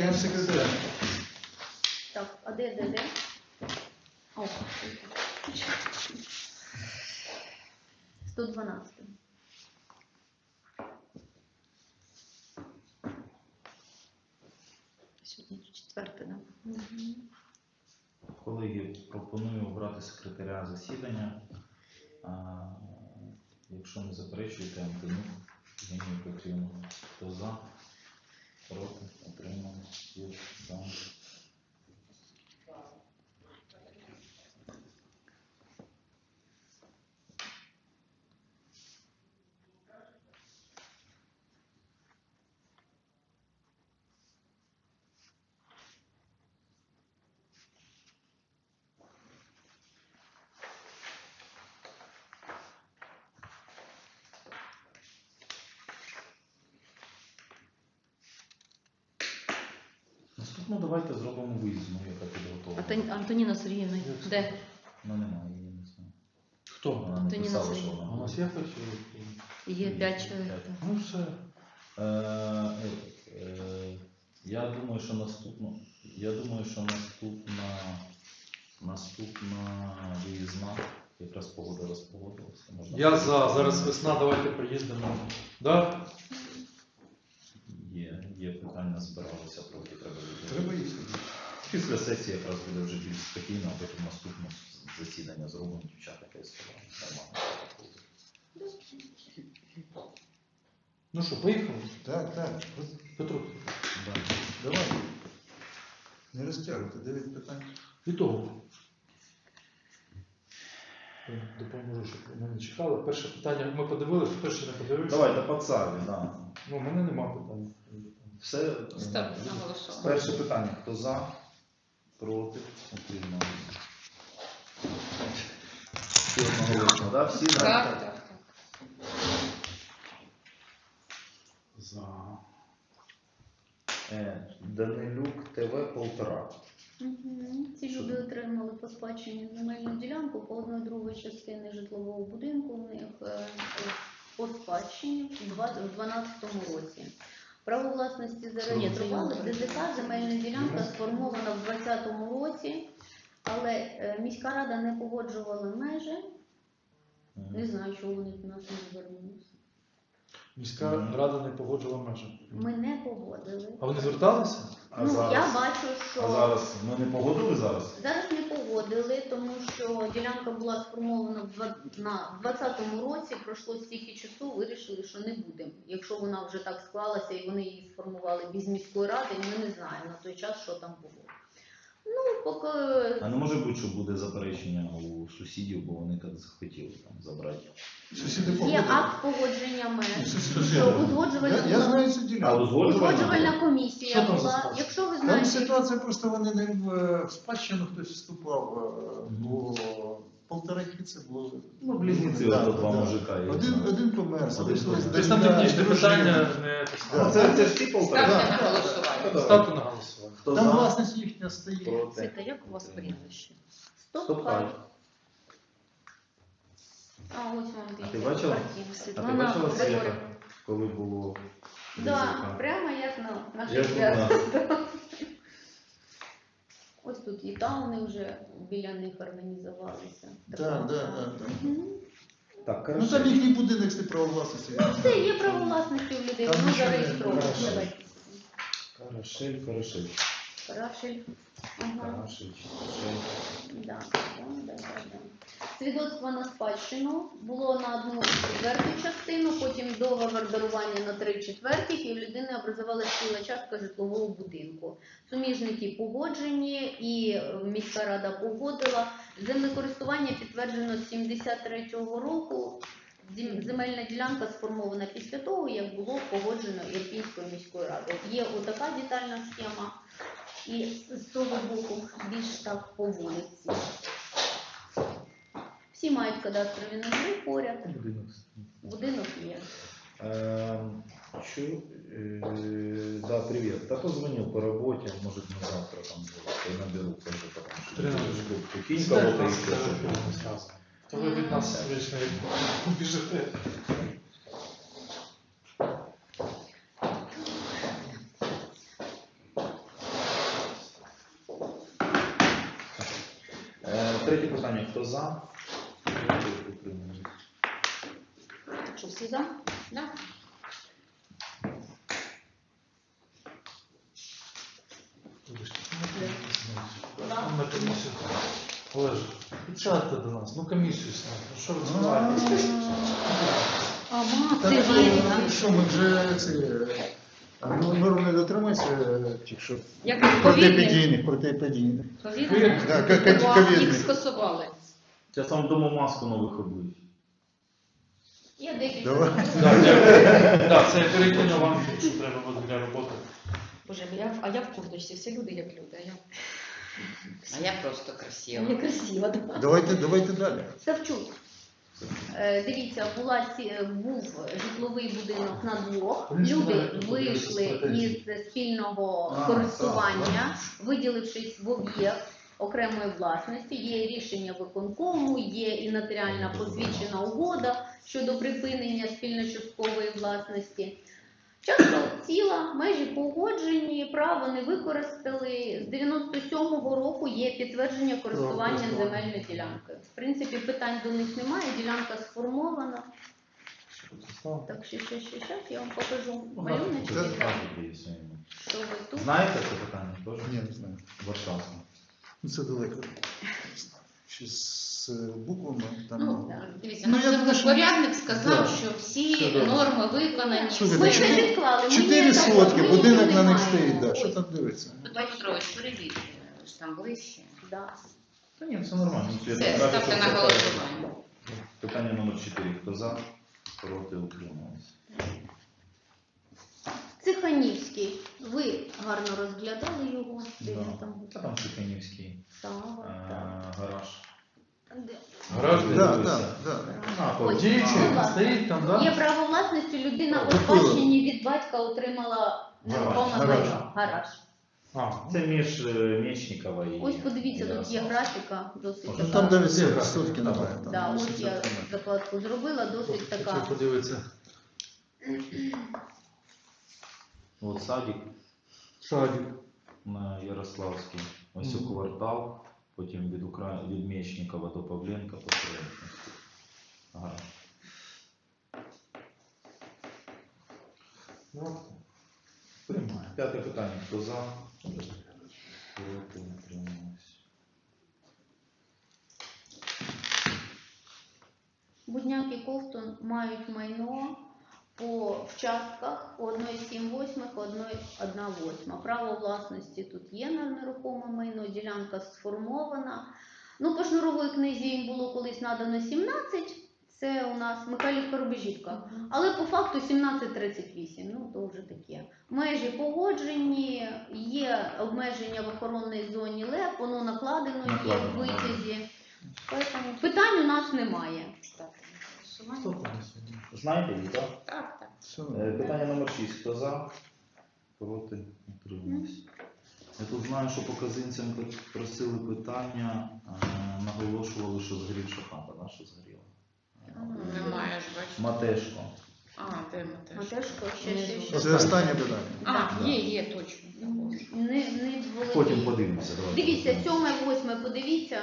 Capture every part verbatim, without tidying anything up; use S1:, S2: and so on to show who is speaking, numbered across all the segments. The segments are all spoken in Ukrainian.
S1: секретаря.
S2: Так, а де, де, де? О, сто дванадцять. Сьогодні четверте, так? Угу.
S3: Колеги, пропоную обрати секретаря засідання. А, якщо не заперечуєте, Антонюк Євгенію Петрівну. Хто за? Проти? Утримались? Є за. Наступно давайте зробимо виїзну, яка підготовлена.
S2: Антоніна Сергіївна, де?
S3: Ну немає, її не знаю.
S1: Хто?
S3: Вона не
S2: Антоніна
S3: писала, що
S2: Сергіївна.
S3: вона.
S1: У нас є хтось?
S2: Є п'ять чоловік.
S1: Ну все.
S3: Е, е, е, я думаю, що наступно, я думаю, що наступна, наступна виїзна, якраз погода розпогодилася. Можна
S1: Я за, зараз весна, давайте приїздимо. Да?
S3: Є, є питання, збиралися, трохи треба їздити.
S1: Треба їздити.
S3: Після сесії якраз буде вже більш спокійно, а потім наступне засідання зробимо, дівчата якесь нормально.
S1: Ну що, поїхали?
S4: Так, так.
S1: Петро,
S3: Да.
S4: Давай. Не розтягуйте, дев'ять питань.
S1: від того. Допоможу, щоб мене чекали. Перше питання, ми подивилися, хто ще не подивився.
S3: Давайте по царі, да.
S1: Ну, у мене нема питань.
S3: Все.
S2: Ставте на голосування.
S3: Перше питання. Хто за? Проти? Утримались. Всі одноголосно, да? Всі за?
S2: Так, так.
S1: За.
S3: Е, Данилюк ТВ полтора.
S2: Угу. Ці люди отримали по спадщині земельну ділянку по одної другої частини житлового будинку у них е, по спадщині у дванадцятому році. Право власності зареєстрували в ДЗК, земельна ділянка сформована в двадцятому році, але е, міська рада не погоджувала межі. Не знаю, чого вони до нас не звернулися.
S1: Міська рада не погоджувала межі.
S2: Ми не погодили.
S1: А вони зверталися?
S3: А
S2: Ну,
S3: зараз?
S2: я бачу, що
S3: А зараз ми не погодили зараз?
S2: зараз не погодили, тому що ділянка була сформована в два- на двадцятому році, пройшло стільки часу, вирішили, що не будемо. Якщо вона вже так склалася і вони її сформували без міської ради, ми не знаємо на той час, що там було. Ну, поки
S3: А не може бути, що буде заперечення у сусідів, бо вони так захотіли там забрати.
S4: Сусіди
S2: є
S4: погодили.
S2: акт погодження меж,
S4: Сусіди.
S2: що узгоджувальна,
S4: Я, я знаю цю
S3: А
S4: ділянку.
S3: узгоджувальна?
S2: узгоджувальна комісія
S1: Що там за
S2: була.
S1: ситуація?
S2: Якщо ви
S4: Там
S2: знаєте,
S4: ситуація просто вони не в, в спадщину хтось вступав, е, бо полтораки це було.
S3: Ну, близнеці,
S4: Да,
S3: ото два
S4: да.
S3: мужика. я
S4: Один,
S3: знаю.
S4: один помер, залишилось
S3: помер.
S1: Тобто там
S4: дочка,
S1: технічне
S4: дружина.
S1: питання не те
S3: Ну,
S1: саме.
S3: це, це ж ті полтора.
S4: Ставте
S2: на голосування.
S1: Ставте на голосування.
S3: Хто
S4: Там
S3: за?
S4: власність їхня стоїть.
S3: Проти?
S2: Світа, як у вас прізвище?
S3: Стоп,
S2: Стоп,
S3: хай.
S2: А, ось вам
S3: А ти
S2: дивіться,
S3: бачила?
S2: картинка.
S3: А ти
S2: Світлана
S3: бачила
S2: Григорівна.
S3: свята, коли було?
S2: Да,
S3: ДЗК?
S2: прямо як на наших
S3: Як
S2: святах. Ось тут і тауни вже біля них організувалися.
S4: Так, так, так.
S2: Мгм.
S3: Так,
S4: Ну
S3: хорошо.
S4: там їхній будинок з право власності.
S2: Ну все, є право власності у людей,
S4: Там
S2: воно
S4: нічого не
S2: зареєстровано.
S4: хорошо.
S2: Давайте.
S3: Карашель, Карашель.
S2: Карашель. Ага.
S3: Карашель, Карашель.
S2: Да, да, да, да, да. Свідоцтво на спадщину було на одну четверту частину, потім договор дарування на три четвертих, і в людини образувалася ціла частка житлового будинку. Суміжники погоджені, і міська рада погодила. Землекористування підтверджено з сімдесят третього року. Зем- Земельна ділянка сформована після того, як було погоджено Ірпінською міською радою. Є отака детальна схема, і з того боку більш так по вулиці. Всі мають кадастрові номери поряд,
S3: Будинок.
S2: будинок є.
S3: Эм, чу, э, да, привет. Да позвонил по работе, может на завтра там будет, наберу тоже, потому что
S1: Тринадцать.
S3: кинь
S1: Знаєш,
S3: кого-то и
S1: нас
S3: все.
S1: телефон не зв'язано. То ви від нас вічно біжите.
S3: Третє питання. Хто за? Проти, утримались.
S2: Що, всі за?
S5: Да.
S1: Вибачте, на комісію. Олеже, підсядьте до нас, ну комісію сняти. Ну що ви відбуваєтесь?
S2: А, ма,
S4: Так,
S2: це
S4: що,
S2: вірно.
S4: що ми вже ці, а, ну, норм не дотримується, чи що?
S5: Як ковідних,
S4: Протиепідійних, протиепідійних.
S5: ковідних,
S4: Да, ка- ка- ковідних.
S5: їх скасували.
S3: Зараз вам вдома маску нових обують.
S2: Є декілька.
S4: Давай.
S1: Так, дякую. Так, це я перекину вам, що треба буде для роботи.
S5: Боже, я, а я в курточці, всі люди як люди, а я,
S6: А я просто красива.
S5: я красива. Да.
S4: Давайте, давайте далі.
S2: Савчук. Е, Дивіться, була ці, е, був житловий будинок на двох. Люди вийшли із спільного
S4: А,
S2: користування, виділившись в об'єкт окремої власності. Є рішення виконкому, є і нотаріальна посвідчена угода щодо припинення спільно-часткової власності. Часто ціла, межі погоджені, право не використали. З дев'яносто сьомого року є підтвердження користування земельною ділянкою. В принципі, питань до них немає, ділянка сформована. Так, ще, ще, ще, ще, я вам покажу малюночки,
S4: Це
S2: так,
S3: Є своїми.
S2: що ви тут.
S3: Знаєте це питання? Теж?
S4: Ні, не знаю.
S3: Варшавське.
S4: Ну, це далеко. Ще з буквами там.
S5: Ну,
S2: Да.
S5: дивіться,
S4: Ну,
S5: наш
S4: я думаю, що-
S5: землепорядник сказав,
S4: Да.
S5: що всі
S4: Все добре.
S5: норми виконані.
S4: Слухайте,
S2: Ми
S4: чотири-
S2: вже відклали, ми
S4: Чотири
S2: ніяк
S4: сотки,
S2: ми
S4: будинок
S2: нічого
S4: на
S2: не
S4: них стоїть,
S2: маємо.
S4: да. Що
S2: Ось,
S4: там дивиться?
S6: Петро Петрович, перевірте, ж там ближче.
S2: да.
S3: Та ні, це нормально. Ну, я
S6: Все,
S3: так
S6: ставте
S3: бачу,
S6: на
S3: що це
S6: голосування.
S3: Питання номер чотири. Хто за? Проти, утримались.
S2: Циханівський. Ви гарно розглядали його. Де
S3: Да.
S2: він там?
S3: Та там Чеканівський
S2: Сава,
S3: е,
S2: так.
S3: гараж.
S2: Де?
S1: Гараж
S4: Так,
S3: Дивилися.
S4: так, так.
S3: А,
S2: Ось,
S3: потім.
S1: Діючий,
S2: будь ласка.
S1: стоїть там,
S2: Є
S1: так?
S2: право власності, людина у
S4: Купила.
S2: спадщині від батька отримала нерухоме
S4: Гараж.
S2: майно. Гараж.
S1: А,
S3: Це між е, Мечникова і...
S2: Ось подивіться, тут є
S3: Ярослава.
S2: графіка, досить
S3: Ну,
S4: Ну,
S2: така.
S4: там навіть
S1: Є
S4: сотки
S1: графік,
S4: немає. там
S2: Да, ось
S4: сотки
S2: я
S4: немає.
S2: закладку зробила, досить
S1: хотів
S2: така.
S1: подивитися.
S3: От садик
S1: Садик.
S3: на Ярославській. Ось у
S1: Мгм.
S3: квартал, потім від, Укра... від Мечникова до Павленка по Солом'янській. Гараж.
S1: Ну,
S3: Приймає. П'яте питання. Хто за? Проти, утримались.
S2: Будняк і Ковтун мають майно по вчастках по одна цілих сім восьмих, одна восьма. Право власності тут є на нерухоме майно, ділянка сформована. Ну, по шнуровій книзі їм було колись надано сімнадцять, це у нас Михайлівка Рубежівка. Але по факту сімнадцять тридцять вісім, ну то вже таке. Межі погоджені, є обмеження в охоронній зоні ЛЕП, воно накладено, є в
S3: Накладено,
S2: витязі. Поэтому питань у нас немає.
S5: Ставте на
S1: хто
S5: голосування.
S1: там сьогодні?
S3: Знаєте її, так?
S6: Так, так.
S4: Все
S3: Е,
S4: нормально.
S3: Питання номер шість. Хто за? Проти, утримались. Я тут знаю, що по казинцям просили питання, е, наголошували, що згорівша хата, да, що згоріла.
S6: Немає ж, бачите.
S3: Матешко.
S6: А, де ми теж?
S2: Матешко, ще, ще, ще.
S4: Це останнє питання.
S6: А,
S3: Да.
S6: є, є, точно.
S2: Не, не володію.
S3: Потім подивимося. давайте.
S2: Дивіться, сьоме, восьме, подивіться.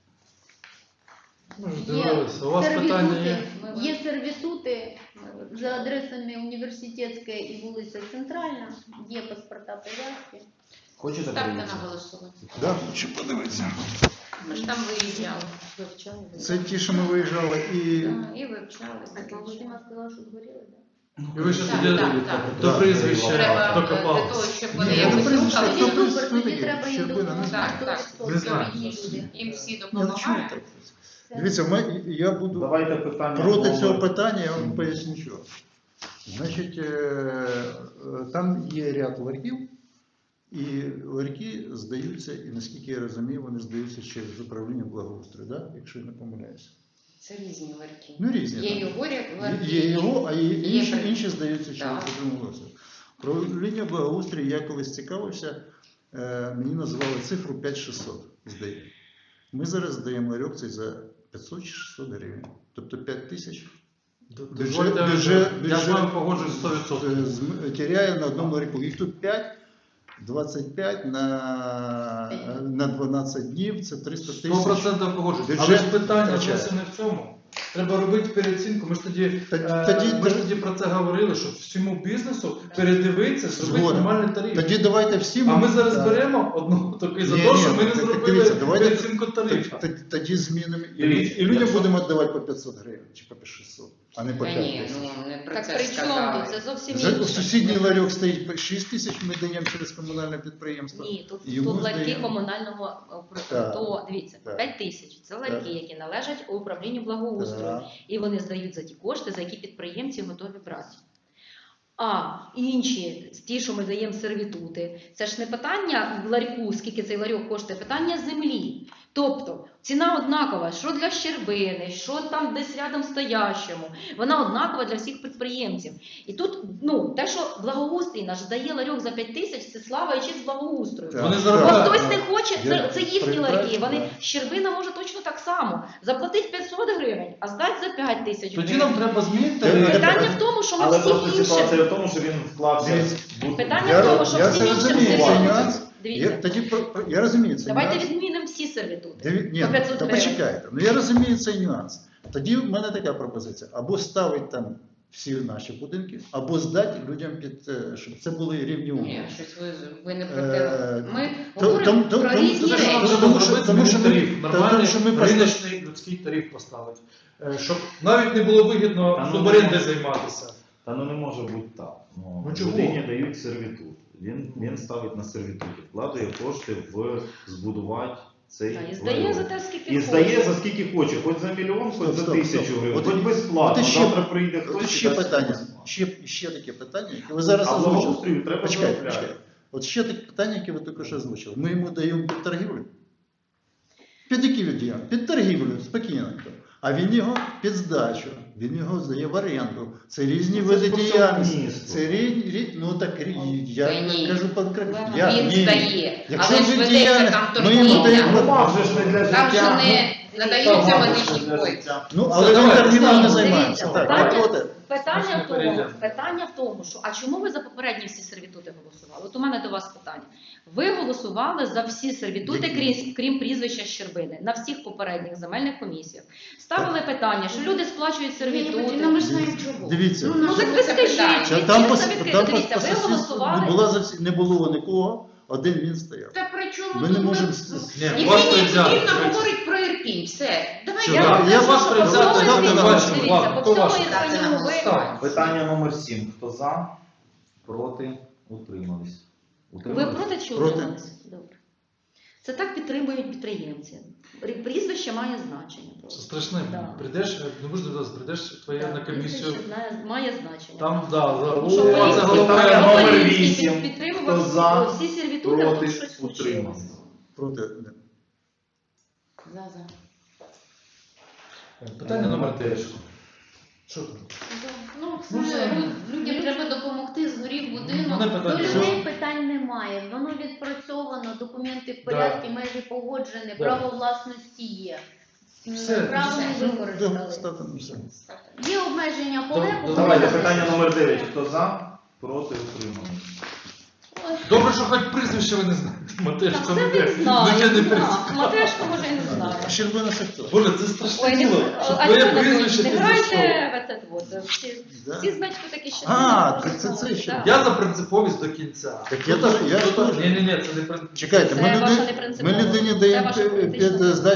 S1: Ми ж
S2: Є
S1: дивилися. У вас питання є?
S2: сервітути, є сервітути за адресами Університетська і вулиця Центральна, є паспорта прив'язки.
S3: Хочете
S6: Ставте на
S3: подивитися?
S6: голосування.
S4: Да, хочу подивитися.
S6: Ми ж там виїжджали.
S5: Вивчали.
S4: Це ті, що ми виїжджали, і
S6: Да, і вивчали.
S2: А Володимир сказала, що згоріли, так?
S1: І ви ще
S6: Так,
S1: тоді
S6: так, так.
S1: до
S4: Да.
S1: прізвища
S6: Треба е, для
S1: докопались.
S6: того, щоб
S4: Ні,
S6: вони
S4: я
S6: якось
S4: не прізвище,
S6: рухали.
S4: хто
S2: Тоді
S4: прис-
S2: супер,
S4: ну,
S2: тоді
S4: таке,
S2: треба їм
S4: Щербина, не
S2: допомогти.
S6: знаю.
S2: сто
S6: Так,
S2: відсотків
S1: не знаю.
S2: рідні люди.
S6: Їм всі
S4: я не чую
S6: допомагають.
S4: так. Дивіться, ми, я буду
S3: Давайте питання.
S4: проти
S3: номер-
S4: цього питання, я вам поясню що. Значить, е, е, там є ряд ларьків, і ларьки здаються, і наскільки я розумію, вони здаються через управління благоустрою, да? Якщо я не помиляюся.
S6: Це різні ларки.
S4: Ну, різні.
S6: Є
S4: там.
S6: його ларки.
S4: Є його, а є
S6: Є
S4: інші,
S6: при-
S4: інші здаються через
S6: Так.
S4: управління благоустрою. Управління благоустрою, я колись цікавився, е, мені називали цифру п'ять шістсот, здає. Ми зараз здаємо ларьок цей за п'ятсот чи шістсот гривень. Тобто п'ять тисяч
S1: Дозвольте,
S4: бюджет-
S1: я з
S4: бюджет-
S1: вами погоджуюсь сто відсотків.
S4: е, зм- теряє на одному ларьку. Їх тут п'ять, двадцять п'ять на, на дванадцять днів, це триста
S1: Сто
S4: тисяч.
S1: процентів погоджуюсь.
S4: Бюджет
S1: Але ж питання
S4: втрачає.
S1: зовсім не в цьому. Треба робити переоцінку. Ми ж тоді,
S4: Та-
S1: е,
S4: тоді-
S1: ми ж тоді про це говорили, що всьому бізнесу передивитися, зробити
S4: Згоден.
S1: нормальний тариф.
S4: Тоді давайте всім.
S1: А ми зараз
S4: Так.
S1: беремо одного такий за
S4: Ні,
S1: те,
S4: ні,
S1: що ми не
S4: так,
S1: зробили
S4: дивіться, давайте
S1: переоцінку тарифу.
S4: Тоді, тоді змінимо. І,
S3: Дивіться,
S4: і людям
S3: якщо-
S4: будемо віддавати по п'ятсот гривень чи по шістсот, а не по
S6: Та
S4: п'ять
S6: ні,
S4: тисяч.
S6: ну не про
S5: Так
S6: це
S5: при
S6: ж
S5: чому
S6: сказали.
S5: тут? Це зовсім
S4: За,
S5: інше.
S4: сусідній ларьок стоїть по шість тисяч, ми даємо через комунальне підприємство.
S5: Ні, тут,
S4: Йому
S5: тут ларьки
S4: здаємо.
S5: комунального е, про-
S4: Так.
S5: то дивіться,
S4: Так.
S5: п'ять тисяч це ларьки,
S4: Так.
S5: які належать управлінню благоустрою,
S4: Так.
S5: і вони здають за ті кошти, за які підприємці готові брати. А інші, ті, що ми даємо сервітути, це ж не питання в ларьку, скільки цей ларьок коштує, питання землі. Тобто ціна однакова, що для Щербини, що там десь рядом стоящому, вона однакова для всіх підприємців. І тут, ну, те, що благоустрій наш здає ларьок за п'ять тисяч, це слава і честь благоустрою.
S4: Так.
S1: Вони
S5: Бо
S1: заробляють.
S5: хтось не хоче, це,
S4: Я
S5: це їхні
S4: прекрасно,
S5: ларьки. Вони
S4: так.
S5: Щербина може точно так само. Заплатить п'ятсот гривень, а здать за п'ять тисяч
S1: Тоді
S5: гривень.
S1: нам треба змінити
S4: Та-
S1: тариф.
S5: Питання в тому, що ми
S3: Але
S5: всі
S3: просто
S5: інші.
S3: ситуація в тому, що він вклався
S4: Дивіться.
S3: в
S5: Питання
S4: Я-
S5: в тому, що
S4: я
S5: всі
S4: це
S5: інші
S4: розумію,
S3: цей
S5: сервітути.
S4: нюанс. Я,
S5: Дивіться,
S4: тоді, про- про- я розумію цей
S5: давайте
S4: нюанс.
S5: відмінимо всі сервітути.
S4: Диві- Ні,
S5: по п'ятсот
S4: та
S5: гривень.
S4: почекайте. Ну я розумію цей нюанс. Тоді в мене така пропозиція: або ставити там всі наші будинки, або здати людям під, е, щоб це були рівні умови.
S6: Ні, щось ви, ви не про
S4: Е,
S6: те. Ми
S4: то-
S6: говоримо
S4: то-
S6: про
S4: то-
S6: різні
S4: то-
S1: Те, що нам
S6: речі.
S1: треба
S4: Тому що-
S1: зробити,
S4: тому що
S1: змінити
S4: ми-
S1: тариф,
S4: та-
S1: нормальний
S4: тому що ми просто-
S1: риночний людський тариф поставити. Е, Щоб навіть не було вигідно
S3: Та ну,
S1: суборенди
S3: ну,
S1: займатися.
S3: Та ну не може бути так. Ну,
S1: Ну, чого?
S3: людині дають сервітут. Він, він ставить на сервітуті, вкладає кошти в збудувати цей
S5: Та, і здає
S3: ларьок.
S5: за те, скільки
S3: І здає
S5: хоче.
S3: за скільки хоче, хоч за мільйон, хоч
S4: Стоп,
S3: за
S4: стоп,
S3: тисячу
S4: стоп.
S3: гривень,
S4: От
S3: хоч
S4: і-
S3: безплатно.
S4: от і ще-
S3: Завтра прийде
S4: От
S3: хтось і
S4: ще
S3: дасть
S4: питання,
S3: безплатно.
S4: ще, ще таке питання, яке ви зараз
S3: А
S4: озвучили.
S3: благоустрою треба
S4: Почекайте,
S3: заробляти.
S4: почекайте. От ще таке питання, яке ви тільки що озвучили. Ми йому даємо під торгівлю. Під які віддіємо? Під торгівлю, спокійно. А він його під здачу, він його здає в оренду. Це різні
S3: Це
S4: види
S3: ж по всьому
S4: діяльності.
S3: місту.
S4: Це різні, рі- ну так рі- я
S6: Та ні.
S4: кажу конкретно. Я,
S6: Він
S4: ні.
S6: здає,
S4: Якщо
S6: але ж
S4: ви
S6: ведеться
S4: діяльні-
S6: там
S4: ми йому
S6: торгівля.
S4: даємо-
S3: Ну, вам же ж не для життя.
S6: Там же не надаються
S3: Вам же ж
S6: медичні
S3: не для
S6: кошти.
S3: життя.
S4: Ну,
S1: Все,
S4: але він
S1: давай,
S4: торгівлею не
S1: дивіться,
S4: займається. Так,
S5: питання-
S4: от, от,
S5: Питання в
S1: Можна
S5: тому,
S1: перейдемо.
S5: питання в тому, що а чому ви за попередні всі сервітути голосували? От у мене до вас питання. Ви голосували за всі сервітути,
S4: Які?
S5: крім, крім прізвища Щербини, на всіх попередніх земельних комісіях. Ставили питання, що люди сплачують сервітути.
S6: Ну ми ж знаємо чого.
S4: Дивіться.
S6: Ну,
S5: Ну так ви
S6: це
S5: скажіть,
S6: питання.
S4: Що
S5: ви
S4: там по,
S5: чесно відкрито.
S4: там по,
S5: Дивіться,
S4: по
S5: ви
S4: сусідству
S5: голосували.
S4: не, була, зовсім- не було нікого, один він стояв.
S6: Та при чому
S4: Ми
S6: тут
S4: не можемо...
S6: ви-
S4: с-
S1: Ні,
S6: І
S1: вас
S6: Євгенія
S1: призяти.
S6: Петрівна говорить про Ірпінь. Все. Давай
S4: Що,
S6: я
S4: да,
S6: вам
S4: я
S6: кажу,
S1: вас
S6: що
S1: призяти,
S6: по
S1: я
S6: всьому
S1: не
S6: Ірпіню.
S1: бачу.
S5: Дивіться,
S1: Ладно,
S5: по
S1: хто
S5: всьому
S1: ваш?
S5: Ірпеню ви-
S1: Ставимо.
S3: Питання номер сім. Хто за? Проти? Утримались.
S5: Ви
S3: Утримались?
S5: проти чи
S4: Проти.
S5: утрималися? Добре. Це так підтримують підприємці. Рі- Прізвище має значення.
S1: Це
S5: просто.
S1: страшне.
S5: Да.
S1: Прийдеш, не можна зараз, прийдеш твоє
S5: Так,
S1: на комісію.
S5: прізвище знає- має значення.
S1: Там, да, за
S5: Тому що
S1: о,
S5: Полінський-
S1: це
S3: Питання
S1: головне.
S3: номер
S5: Полінський
S3: вісім.
S5: підтримував
S3: Хто за?
S5: всі сервітути, а
S3: Проти?
S5: тут щось случилось.
S3: Утримались.
S4: Проти.
S6: За, за.
S1: Питання номер дев'ять. Що там?
S6: Ну,
S1: Ну,
S6: це
S1: все.
S6: лю- людям треба допомогти, згорів будинок.
S1: Мене
S2: До
S1: питання.
S2: людей питань немає. Воно відпрацьовано, документи в порядку, межі погоджені,
S1: Да.
S2: право власності є. М,
S1: Все,
S2: Право
S6: все.
S2: не використали.
S4: Ставте на все.
S2: Є обмеження
S1: Дав-
S2: поле.
S3: Давайте питання номер дев'ять. Хто за? Проти? Утримались.
S1: Добре, що хоч прізвище ви не знаєте. Матешко
S5: Це
S1: не
S5: він
S1: де.
S5: знає.
S1: Ну, я не
S5: да.
S1: перестав.
S5: Матешко може і не знає.
S4: Щербина це хто?
S1: Боже, це страшне
S5: Ой, не,
S1: діло. Що
S5: а
S1: твоє
S5: що ви
S1: прізвище
S5: не
S1: ти
S5: грайте
S1: зайшов.
S5: в це вот. Всі,
S4: Да.
S5: всі знають, хто такі ще.
S4: А, це- це- це ще.
S1: Я за принциповість до кінця.
S4: Так я теж- я ж теж.
S1: Ні, ні, ні, це не принциповість.
S4: Чекайте,
S5: Це
S4: ми,
S5: ваша
S4: людині, ми
S5: непринциповість.
S4: людині
S5: Це
S4: даємо
S5: ваша
S4: під
S5: політична
S4: здачу